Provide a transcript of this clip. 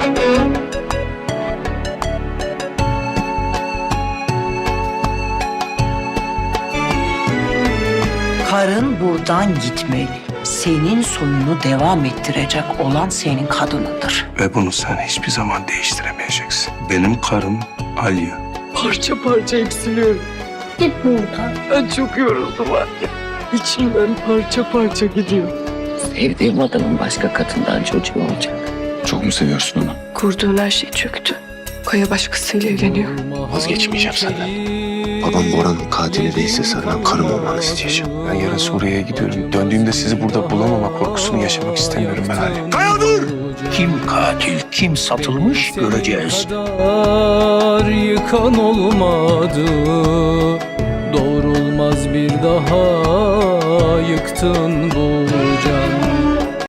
Karın buradan gitmeli. Senin soyunu devam ettirecek olan senin kadınındır. Ve bunu sen hiçbir zaman değiştiremeyeceksin. Benim karım Alya. Parça parça eksiliyorum. Git buradan. Ben çok yoruldum anne. İçimden parça parça gidiyor. Sevdiğim adamın başka kadından çocuğu olacak. Çok mu seviyorsun onu? Kurduğun her şey çöktü. Kaya başkasıyla evleniyor. Vazgeçmeyeceğim senden. Babam Bora'nın katili değilse senden karım olmanı isteyeceğim. Ben yarın Suriye'ye gidiyorum. Döndüğümde sizi burada bulamama korkusunu yaşamak istemiyorum ben Alya. Kaya dur! Kim katil, kim satılmış göreceğiz. Yıkan olmadı. Doğrulmaz bir daha yıktın bu can.